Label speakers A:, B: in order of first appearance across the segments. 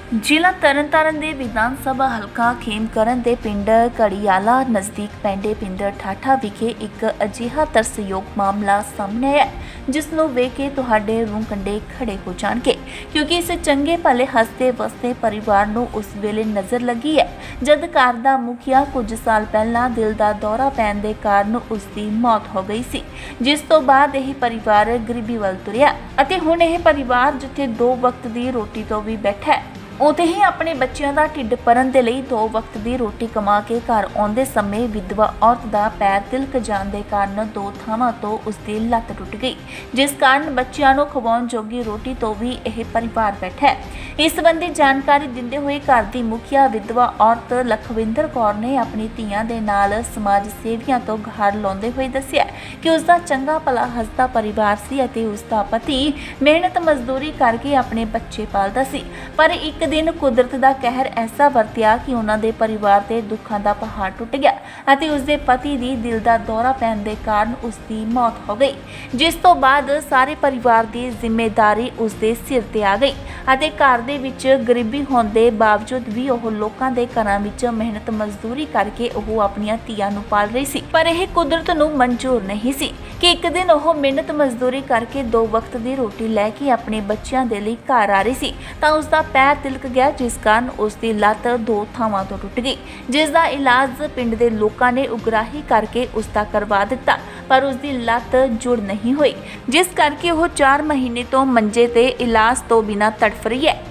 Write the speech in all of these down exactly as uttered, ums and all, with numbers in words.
A: ਜ਼ਿਲ੍ਹਾ ਤਰਨਤਾਰਨ ਦੇ ਵਿਧਾਨ ਸਭਾ ਹਲਕਾ ਖੇਮਕਰਨ ਦੇ ਪਿੰਡ ਘੜੀਆਲਾ ਨਜ਼ਦੀਕ ਪੈਂਦੇ ਪਿੰਡ ਠਾਠਾ ਵਿਖੇ ਇੱਕ ਅਜਿਹਾ ਤਰਸਯੋਗ ਮਾਮਲਾ ਸਾਹਮਣੇ ਆਇਆ ਹੈ, ਜਿਸ ਨੂੰ ਵੇਖ ਕੇ ਤੁਹਾਡੇ ਰੂਹ ਕੰਢੇ ਖੜੇ ਹੋ ਜਾਣਗੇ, ਕਿਉਂਕਿ ਇਸ ਚੰਗੇ ਭਲੇ ਹੱਸਦੇ ਵਸਦੇ ਪਰਿਵਾਰ ਨੂੰ ਉਸ ਵੇਲੇ ਨਜ਼ਰ ਲੱਗੀ ਹੈ ਜਦ ਘਰ ਦਾ ਮੁਖੀਆ ਕੁਝ ਸਾਲ ਪਹਿਲਾਂ ਦਿਲ ਦਾ ਦੌਰਾ ਪੈਣ ਦੇ ਕਾਰਨ ਉਸ ਦੀ ਮੌਤ ਹੋ ਗਈ ਸੀ, ਜਿਸ ਤੋਂ ਬਾਅਦ ਇਹ ਪਰਿਵਾਰ ਗਰੀਬੀ ਵੱਲ ਤੁਰਿਆ ਅਤੇ ਹੁਣ ਇਹ ਪਰਿਵਾਰ ਜਿੱਥੇ ਦੋ ਵਕਤ ਦੀ ਰੋਟੀ ਤੋਂ ਵੀ ਬੈਠਾ ਹੈ, ਉੱਥੇ ਹੀ ਆਪਣੇ ਬੱਚਿਆਂ ਦਾ ਢਿੱਡ ਭਰਨ ਦੇ ਲਈ ਦੋ ਵਕਤ ਦੀ ਰੋਟੀ ਕਮਾ ਕੇ ਘਰ ਆਉਂਦੇ ਸਮੇਂ ਵਿਧਵਾ ਔਰਤ ਦਾ ਪੈਰ ਤਿਲਕ ਜਾਣ ਦੇ ਕਾਰਨ ਦੋ ਥਾਵਾਂ ਤੋਂ ਉਸ ਦੀ ਲੱਤ ਟੁੱਟ ਗਈ, ਜਿਸ ਕਾਰਨ ਬੱਚਿਆਂ ਨੂੰ ਖਵਾਉਣ ਜੋਗੀ ਰੋਟੀ ਤੋਂ ਵੀ ਇਹ ਪਰਿਵਾਰ ਬੈਠਾ ਹੈ। ਇਸ ਸੰਬੰਧੀ ਜਾਣਕਾਰੀ ਦਿੰਦੇ ਹੋਏ ਘਰ ਦੀ ਮੁਖੀਆ ਵਿਧਵਾ ਔਰਤ ਲਖਵਿੰਦਰ ਕੌਰ ਨੇ ਆਪਣੀ ਧੀਆਂ ਦੇ ਨਾਲ ਸਮਾਜ ਸੇਵੀਆਂ ਤੋਂ ਗੁਹਾਰ ਲਾਉਂਦੇ ਹੋਏ ਦੱਸਿਆ ਕਿ ਉਸ ਦਾ ਚੰਗਾ ਭਲਾ ਹੱਸਦਾ ਪਰਿਵਾਰ ਸੀ ਅਤੇ ਉਸ ਦਾ ਪਤੀ ਮਿਹਨਤ ਮਜ਼ਦੂਰੀ ਕਰਕੇ ਆਪਣੇ ਬੱਚੇ ਪਾਲਦਾ ਸੀ, ਪਰ ਇੱਕ ਦਿਨ ਕੁਦਰਤ ਦਾ ਕਹਿਰ ਐਸਾ ਵਰਤਿਆ ਕਿ ਉਹਨਾਂ ਦੇ ਪਰਿਵਾਰ ਤੇ ਦੁੱਖਾਂ ਦਾ ਪਹਾੜ ਟੁੱਟ ਗਿਆ ਅਤੇ ਉਸ ਦੇ ਪਤੀ ਦੀ ਦਿਲ ਦਾ ਦੌਰਾ ਪੈਣ ਦੇ ਕਾਰਨ ਉਸ ਦੀ ਮੌਤ ਹੋ ਗਈ, ਜਿਸ ਤੋਂ ਬਾਅਦ ਸਾਰੇ ਪਰਿਵਾਰ ਦੀ ਜ਼ਿੰਮੇਵਾਰੀ ਉਸ ਦੇ ਸਿਰ ਤੇ ਆ ਗਈ ਅਤੇ ਘਰ ਦੇ ਵਿੱਚ ਗਰੀਬੀ ਹੋਣ ਦੇ ਬਾਵਜੂਦ ਵੀ ਉਹ ਲੋਕਾਂ ਦੇ ਘਰਾਂ ਵਿੱਚ ਮਿਹਨਤ ਮਜ਼ਦੂਰੀ ਕਰਕੇ ਉਹ ਆਪਣੀਆਂ ਧੀਆਂ ਨੂੰ ਪਾਲ ਰਹੀ ਸੀ, ਪਰ ਇਹ ਕੁਦਰਤ ਨੂੰ ਮਨਜ਼ੂਰ ਨਹੀਂ ਸੀ ਕਿ ਇੱਕ ਦਿਨ ਉਹ ਮਿਹਨਤ ਮਜ਼ਦੂਰੀ ਕਰਕੇ ਦੋ ਵਕਤ ਦੀ ਰੋਟੀ ਲੈ ਕੇ ਆਪਣੇ ਬੱਚਿਆਂ ਦੇ ਲਈ ਘਰ ਆ ਰਹੀ ਸੀ ਤਾਂ ਉਸ ਦਾ ਪੈਰ ਤਿਲਕ ਗਿਆ, ਜਿਸ ਕਾਰਨ ਉਸ ਦੀ ਲੱਤ ਦੋ ਥਾਵਾਂ ਤੋਂ ਟੁੱਟ ਗਈ, ਜਿਸ ਦਾ ਇਲਾਜ ਪਿੰਡ ਦੇ ਲੋਕਾਂ ਨੇ ਉਗਰਾਹੀ ਕਰਕੇ ਉਸ ਦਾ ਕਰਵਾ ਦਿੱਤਾ, ਪਰ ਉਸ ਦੀ ਲੱਤ ਜੁੜ ਨਹੀਂ ਹੋਈ, ਜਿਸ ਕਰਕੇ ਉਹ ਚਾਰ ਮਹੀਨੇ ਤੋਂ ਮੰਜੇ ਤੇ ਇਲਾਜ ਤੋਂ ਬਿਨਾਂ ਤੜਫ ਰਹੀ ਹੈ।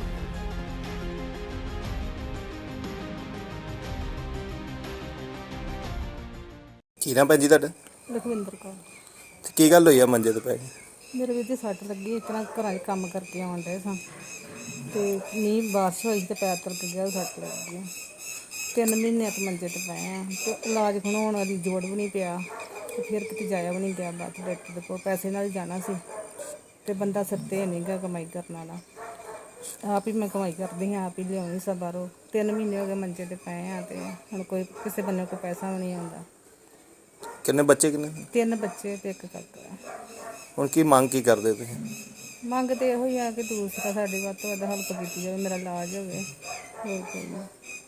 B: ਕੀ ਨਾਮ ਭੈਣ ਜੀ ਤੁਹਾਡਾ?
C: ਲਖਵਿੰਦਰ ਕੌਰ।
B: ਤੇ ਕੀ ਗੱਲ ਹੋਈ ਆ ਮੰਜੇ ਤੇ ਪੈ ਕੇ?
C: ਮੇਰੇ ਵੀਰ ਦੀ ਸੱਟ ਲੱਗੀ, ਇਸ ਤਰ੍ਹਾਂ ਘਰਾਂ 'ਚ ਕੰਮ ਕਰਕੇ ਆਉਣ ਡਏ ਸਾਂ ਤੇ ਮੀਂਹ ਬਾਰਿਸ਼ ਹੋਈ ਤੇ ਪੈਰ ਤਲਕ ਗਿਆ, ਸੱਟ ਲੱਗ ਗਈ। ਤਿੰਨ ਮਹੀਨੇ ਤੋਂ ਮੰਜੇ ਤੇ ਪਏ ਆ ਤੇ ਇਲਾਜ ਖਣਾਉਣ ਵਾਲੀ ਜੋੜ ਵੀ ਨਹੀਂ ਪਿਆ ਤੇ ਫਿਰ ਕਿਤੇ ਜਾਇਆ ਵੀ ਨਹੀਂ ਗਿਆ। ਬਾਅਦ ਡਾਕਟਰ ਦੇ ਕੋਲ ਪੈਸੇ ਨਾਲ ਹੀ ਜਾਣਾ ਸੀ ਤੇ ਬੰਦਾ ਸਿਰ ਤੇ ਨਹੀਂ ਗਾ ਕਮਾਈ ਕਰਨ ਵਾਲਾ। ਆਪ ਹੀ ਮੈਂ ਕਮਾਈ ਕਰਦੀ ਹਾਂ, ਆਪ ਹੀ ਲਿਆਉਣੀ ਸਭ ਬਾਹਰੋਂ। ਤਿੰਨ ਮਹੀਨੇ ਹੋ ਗਏ ਮੰਜੇ ਤੇ ਪਏ ਆ ਤੇ ਹੁਣ ਕੋਈ ਕਿਸੇ ਬੰਨੇ ਕੋਈ ਪੈਸਾ ਵੀ ਨਹੀਂ ਆਉਂਦਾ।
B: ਕਿੰਨੇ ਬੱਚੇ ਕਿੰਨੇ?
C: ਤਿੰਨ ਬੱਚੇ ਤੇ ਇੱਕ ਕਾਕਾ।
B: ਹੁਣ ਕੀ ਮੰਗ ਕੀ ਕਰਦੇ ਤੁਸੀਂ?
C: ਮੰਗ ਤੇ ਇਹੋ ਹੀ ਆ ਕਿ ਦੂਸਰਾ ਸਾਡੀ ਵੱਧ ਤੋਂ ਵੱਧ ਹੈਲਪ ਕੀਤੀ ਜਾਵੇ, ਮੇਰਾ ਇਲਾਜ ਹੋਵੇ, ਹੋਰ ਕੋਈ ਨਹੀਂ।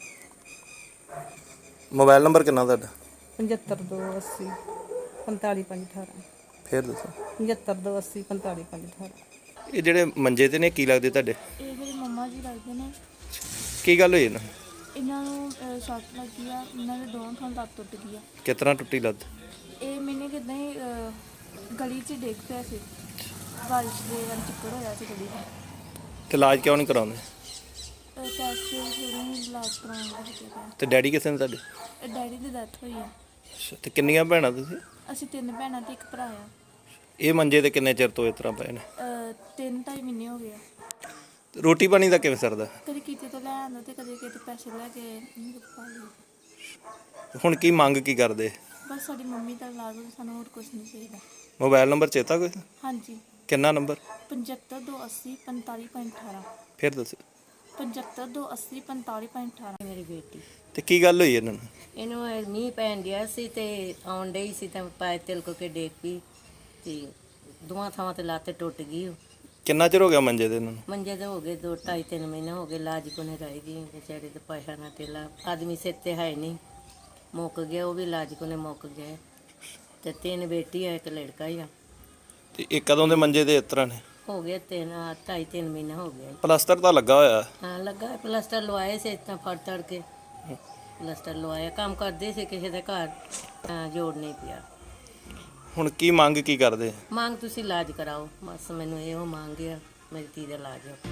B: ਮੋਬਾਈਲ ਨੰਬਰ ਕਿੰਨਾ ਤੁਹਾਡਾ?
C: ਪਝੱਤਰ ਦੋ ਅੱਸੀ ਪੰਤਾਲੀ ਪੰਜ ਅਠਾਰਾਂ।
B: ਫੇਰ ਦੱਸੋ।
C: ਪਝੱਤਰ ਦੋ ਅੱਸੀ ਪੰਤਾਲੀ ਪੰਜ ਅਠਾਰਾਂ।
B: ਇਹ ਜਿਹੜੇ ਮੰਜੇ ਤੇ ਨੇ ਕੀ ਲੱਗਦੇ ਤੁਹਾਡੇ?
D: ਇਹ ਮੇਰੇ ਮੰਮਾ ਜੀ ਲੱਗਦੇ ਨੇ।
B: ਕੀ ਗੱਲ ਹੋਈ ਇਹਨਾਂ
D: ਇਹਨਾਂ ਨੂੰ ਅਹ, ਸੱਟ ਲੱਗੀ ਆ, ਇਹਨਾਂ ਦੇ ਦੋਨੋਂ ਥਾਂ ਲੱਤ ਟੁੱਟ ਗਈ ਆ।
B: ਕਿਸ ਤਰ੍ਹਾਂ ਟੁੱਟੀ ਲੱਤ?
D: ਇਹ ਮੈਨੇ ਕਿੱਦਾਂ ਹੀ ਅਹ, ਗਲੀ 'ਚ ਡਿੱਗ ਪਿਆ ਸੀ, ਬਾਰਿਸ਼ ਦੇ ਨਾਲ ਚਿੱਕੜ ਹੋਇਆ ਸੀ ਗਲੀ 'ਚ।
B: ਤੇ ਇਲਾਜ ਕਿਉਂ ਨਹੀਂ ਕਰਾਉਂਦੇ?
D: ਟੈਸਟ ਜਿਹੜੇ ਇਲਾਜ ਕਰਾਉਣ ਦਾ ਹੈਗਾ।
B: ਤੇ ਡੈਡੀ ਕਿਸੇ ਨੇ ਤੁਹਾਡੇ?
D: ਡੈਡੀ ਦੀ ਡੈਥ ਹੋਈ ਆ।
B: ਅੱਛਾ, ਤੇ ਕਿੰਨੀਆਂ ਭੈਣਾਂ ਤੁਸੀਂ?
D: ਅਸੀਂ ਤਿੰਨ ਭੈਣਾਂ ਤੇ ਇੱਕ ਭਰਾ ਆ।
B: ਇਹ ਮੰਜੇ ਤੇ ਕਿੰਨੇ ਚਿਰ ਤੋਂ ਇਸ ਤਰ੍ਹਾਂ ਪਏ ਨੇ?
D: ਅਹ, ਤਿੰਨ ਢਾਈ ਮਹੀਨੇ ਹੋ ਗਏ ਆ।
B: ਤੇ ਰੋਟੀ ਪਾਣੀ ਦਾ ਕਿਵੇਂ ਸਰਦਾ?
D: ਕਦੇ ਕਿਤੇ ਤੋਂ ਲੈ ਆਉਂਦਾ ਤੇ ਕਦੇ ਕਿਤੇ ਪੈਸੇ ਲੈ ਕੇ ਨਹੀਂ ਪਾ ਲਈ।
B: ਹੁਣ ਕੀ ਮੰਗ ਕੀ ਕਰਦੇ?
D: ਬਸ ਸਾਡੀ ਮੰਮੀ ਦਾ ਇਲਾਜ ਹੋਵੇ, ਸਾਨੂੰ ਹੋਰ ਕੁਝ ਨਹੀਂ ਚਾਹੀਦਾ।
B: ਮੋਬਾਈਲ ਨੰਬਰ ਚੇਤਾ ਕੋਈ?
D: ਹਾਂਜੀ,
B: ਕਿੰਨਾ ਨੰਬਰ?
D: ਪਝੱਤਰ ਦੋ ਅੱਸੀ ਪੰਤਾਲੀ ਪੰਜ ਅਠਾਰਾਂ।
B: ਫਿਰ ਦੱਸੋ।
D: ਪਝੱਤਰ ਦੋ ਅੱਸੀ ਪੰਤਾਲੀ ਪੰਜ ਅਠਾਰਾਂ।
E: ਮੇਰੀ ਬੇਟੀ,
B: ਤੇ ਕੀ ਗੱਲ ਹੋਈ ਇਹਨਾਂ ਨੂੰ?
E: ਇਹਨੂੰ ਇਹ ਮੀਂਹ ਪੈਣ ਡਿਆ ਸੀ ਤੇ ਆਉਣ ਡਈ ਸੀ ਤਾਂ ਪੈਰ ਤਿਲਕ ਕੇ ਡੇਗ ਪਈ ਤੇ ਦੋਵਾਂ ਥਾਵਾਂ ਤੇ ਲੱਤ ਟੁੱਟ ਗਈ। ਉਹ
B: ਕਿੰਨਾ ਚਿਰ ਹੋ ਗਿਆ ਮੰਜੇ ਤੇ ਇਹਨਾਂ ਨੂੰ?
E: ਮੰਜੇ ਤੇ ਹੋ ਗਏ ਦੋ ਢਾਈ ਤਿੰਨ ਮਹੀਨੇ ਹੋ ਗਏ। ਇਲਾਜ ਕੋਨੇ ਰਹਿ ਗਈ ਵਿਚਾਰੇ ਤੇ ਪੈਸਾ ਨਾ ਤੇਲਾ, ਆਦਮੀ ਸਿਰ ਤੇ ਹੈ ਨਹੀਂ, ਮੁੱਕ ਗਿਆ, ਉਹ ਵੀ ਇਲਾਜ ਕੋਨੇ ਮੁੱਕ ਗਿਆ। ਤੇ ਤਿੰਨ ਬੇਟੀ ਆ, ਇੱਕ ਲੜਕਾ ਹੀ ਆ।
B: ਤੇ ਇਹ ਕਦੋਂ ਦੇ ਮੰਜੇ ਤੇ ਇਸ ਤਰ੍ਹਾਂ ਨੇ?
E: ਹੋ ਗਏ ਤਿੰਨ ਢਾਈ ਤਿੰਨ ਮਹੀਨੇ ਹੋ ਗਏ।
B: ਪਲਾਸਟਰ ਤਾਂ ਲੱਗਾ ਹੋਇਆ?
E: ਹਾਂ ਲੱਗਾ, ਪਲਸਟਰ ਲਵਾਏ ਸੀ, ਇਤਾਂ ਫੜ ਤੜ ਕੇ ਪਲਸਟਰ ਲਵਾਇਆ। ਕੰਮ ਕਰਦੇ ਸੀ ਕਿਸੇ ਦੇ ਘਰ, ਤਾਂ ਜੋੜ ਨਹੀਂ ਪਿਆ।
B: ਹੁਣ ਕੀ ਮੰਗ ਕੀ ਕਰਦੇ?
E: ਮੰਗ ਤੁਸੀਂ ਇਲਾਜ ਕਰਾਓ, ਬਸ ਮੈਨੂੰ ਇਹੋ ਮੰਗ ਆ, ਮੇਰੀ ਧੀ ਦਾ ਇਲਾਜ ਹੋ।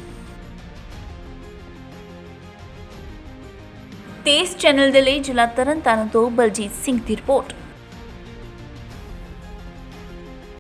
A: ਤੇਜ਼ ਚੈਨਲ ਦੇ ਲਈ ਜ਼ਿਲ੍ਹਾ ਤਰਨਤਾਰਨ ਤੋਂ ਬਲਜੀਤ ਸਿੰਘ ਦੀ ਰਿਪੋਰਟ।